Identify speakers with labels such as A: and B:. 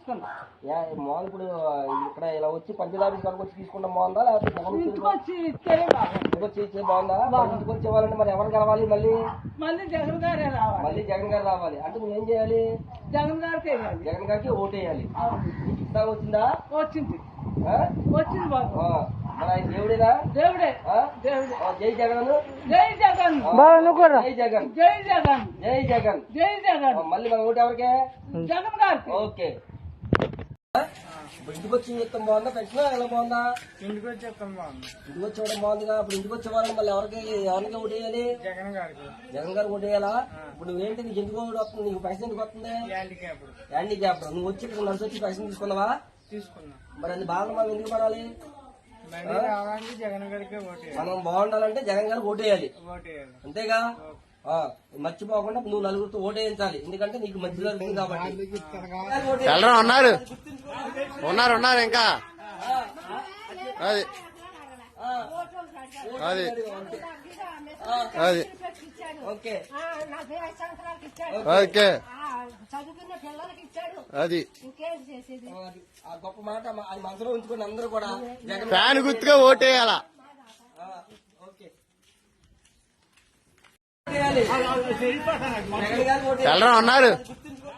A: తీసుకున్నా.
B: మామూలు ఇప్పుడు ఇక్కడ ఇలా వచ్చి పంచాయతీ ఆఫీస్ వరకు వచ్చి తీసుకుంటాం బాగుందా, లేకపోతే
A: ఇంటికి వచ్చి ఇస్తేనే బాగుంది.
B: ఇంటికి వచ్చి ఇచ్చే బాగుందా? ఇంటికి వచ్చి ఇవ్వాలంటే మరి ఎవరు కలవాలి? మళ్ళీ
A: మళ్ళీ జగన్ గారే రావాలి.
B: మళ్ళీ జగన్ గారు రావాలి అంటే నువ్వేం చేయాలి?
A: జగన్ గారికి వేయాలి.
B: జగన్ గారికి ఓటేయాలి. ఇస్తా వచ్చిందా?
A: వచ్చింది
B: ఆ?
A: వచ్చింది బాబు.
B: ఆ. మరి ఆయన దేవుడేనా?
A: దేవుడే
B: ఆ?
A: దేవుడే.
B: జై జగన్,
A: జై జగన్,
B: జై జగన్,
A: జై జగన్,
B: జై జగన్,
A: జై జగన్.
B: మళ్ళీ మన ఓటు ఎవరికే?
A: జగన్ గారికి.
B: ఓకే. ఇప్పుడు ఇంటికి వచ్చి చెప్తాం బాగుందా? పెన్షన్ ఎలా బాగుందా?
A: ఇంటికి వచ్చి చెప్తాం బాగుంది.
B: ఇంటికి వచ్చి ఇవ్వడం బాగుందిగా. ఇప్పుడు ఇంటికి వచ్చే వాళ్ళని మళ్ళీ ఎవరికి ఓటు వేయాలి?
A: జగన్ గారికి.
B: జగన్ గారికి ఓటు వేయాలా? ఇప్పుడు నువ్వేంటి, నీకు ఎందుకు ఓటు వస్తుంది? నీకు పైసలు ఎందుకు వస్తుంది? హ్యాండిక్యాప్. నువ్వు వచ్చి ఇక్కడ నడిచి వచ్చి పైసలు తీసుకున్నావా?
A: తీసుకున్నా.
B: మరి అది బాగా మనం ఎందుకు పడాలి?
A: జగన్ గారికి
B: మనం బాగుండాలంటే జగన్ గారికి ఓటేయాలి. అంతేగా? మర్చిపోకుండా నువ్వు నలుగురితో ఓటేయించాలి. ఎందుకంటే నీకు మంచి జరుగుతుంది కాబట్టి.
C: ఉన్నారు ఉన్నారు ఉన్నారు ఇంకా అది అది అది
B: ఓకే
C: ఓకే అది
B: ఆ గొప్ప మాట అది మనసులో ఉంచుకుని అందరూ కూడా జగన్
C: ఫ్యాన్ గుర్తుగా ఓటేయాలా.
B: ఓకే. జగన్ గారికి ఓటేయాలి.
C: ఉన్నారు